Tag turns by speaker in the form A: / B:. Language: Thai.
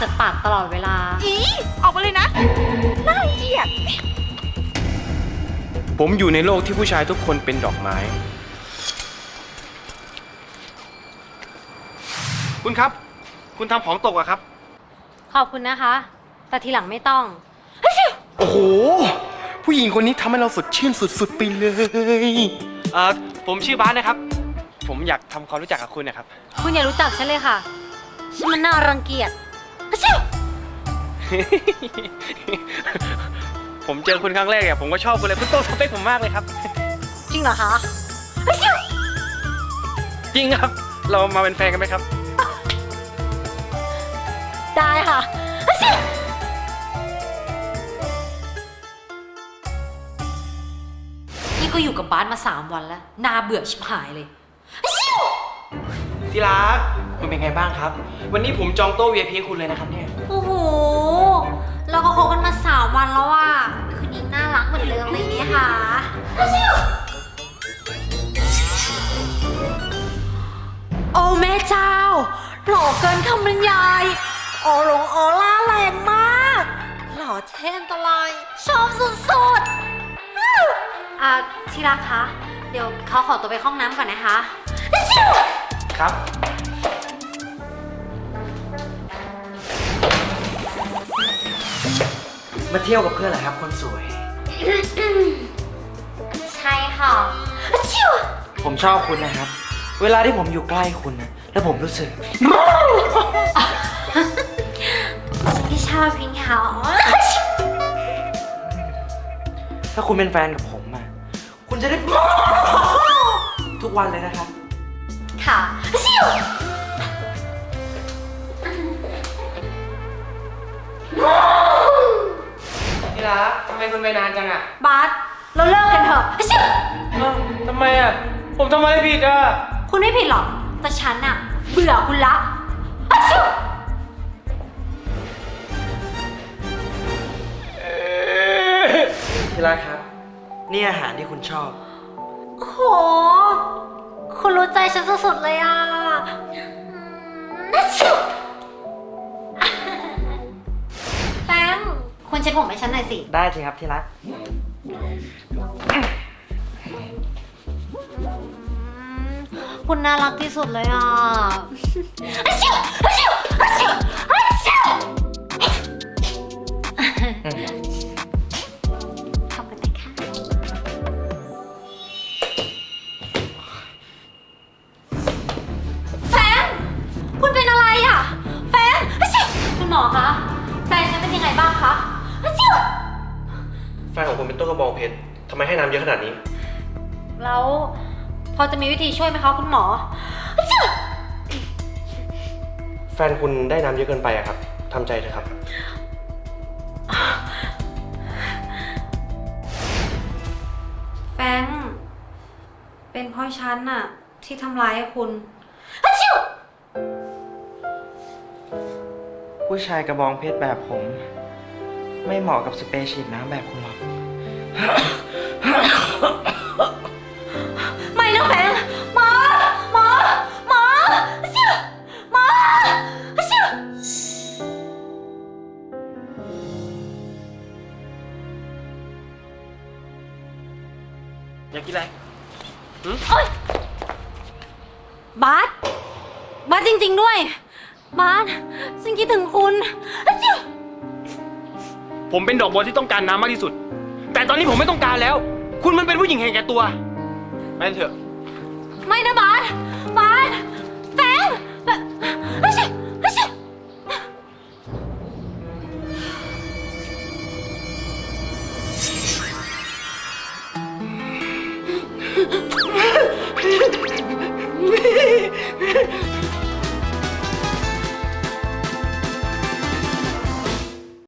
A: จากปากตลอดเวลา
B: อีออกมาเลยนะน่าเกลียด
C: ผมอยู่ในโลกที่ผู้ชายทุกคนเป็นดอกไม้ คุณครับ คุณทำของตกอะครับ
A: ขอบคุณนะคะ แต่ทีหลังไม่ต้อง
C: โอ้โห ผู้หญิงคนนี้ทำให้เราสดชื่นสุดๆไปเลยผมชื่อบาสนะครับ ผมอยากทำความรู้จักกับคุณนะครับ
A: คุณอย่ารู้จักฉันเลยค่ะ ฉันมันน่ารังเกียจ
C: ผมเจอคุณครั้งแรกเนี่ยผมก็ชอบคุณเลยคุณโตสเปคผมมากเลยครับ
A: จริงเหรอคะ
C: จริงครับ เรามาเป็นแฟนกันไหมครับ
A: ได้ค่ะ นี่ก็อยู่กับบาสมา3 วันแล้ว น่าเบื่อชิบหายเลย
C: ที่รักคุณเป็นไงบ้างครับ วันนี้ผมจองโต๊ะ VIP คุณเลยนะครับเนี่ย
A: โอ้โห เราก็คบกันมา3 วันแล้วอ่ะ คืนนี้น่ารักเหมือนเดิมเลยเนี่ยค่ะโอ้แม่เจ้า หล่อเกินคำบรรยายออร่าแรงมาก หล่อเท่อันตรายชอบสุดๆที่รักคะ เดี๋ยวเขาขอตัวไปห้องน้ำก่อนนะคะ
C: ครับ
D: มาเที่ยวกับเพื่อนเหรอครับคนสวย
A: ใช่ค่ะ
D: ผมชอบคุณนะครับ เวลาที่ผมอยู่ใกล้คุณนะแล้วผมรู้สึก
A: ฉันก็ชอบพิงเขา
D: ถ้าคุณเป็นแฟนกับผมอะคุณจะได้ ทุกวันเลยนะครับ
A: ค่ะ
C: ที่รักทำไมคุณไปนานจังอะ
A: บาสเราเลิกกันเถอะ
C: ทำไมอะผมทำอะไรผิดอะ
A: คุณไม่ผิดหรอก แต่ฉันอะเบื่อคุณละ
D: ที่รักครับ นี่อาหารที่คุณชอบ
A: โห คุณรู้ใจฉันสุดๆเลยอ่ะแฟงคุณเช็ดผมให้ฉันหน่อยสิ
D: ได้สิครับที่รัก
A: คุณน่ารักที่สุดเลยอ่ะขอบคุณนะคะแฟนคุณเป็นอะไรอ่ะแฟนคุณหมอคะแฟนฉันเป็นยังไงบ้างคะ
C: แฟนของคุณเป็นต้นกระบองเพชรทำไมให้น้ำเยอะขนาดนี้
A: แล้วพอจะมีวิธีช่วยไหมคะคุณหมอ
C: แฟนคุณได้น้ำเยอะเกินไปอะครับทำใจเถอะครับ
A: แฟงเป็นเพราะฉันน่ะที่ทำร้ายคุณ
D: ผู้ชายกระบองเพชรแบบผม ไม่เหมาะกับสเปรย์ฉีดน้ำแบบคุณหรอก
A: ไม่นะแฟงหมอหมอหมอหมอ
C: อยากกินอะไร
A: บาสบาสจริงๆด้วย บาสฉันคิดถึงคุณ
C: ผมเป็นดอกบัวที่ต้องการน้ำมากที่สุด แต่ตอนนี้ผมไม่ต้องการแล้ว คุณมันเป็นผู้หญิงเห็นแก่ตัวไปเถอะ
A: ไม่นะบาสบาสแฟง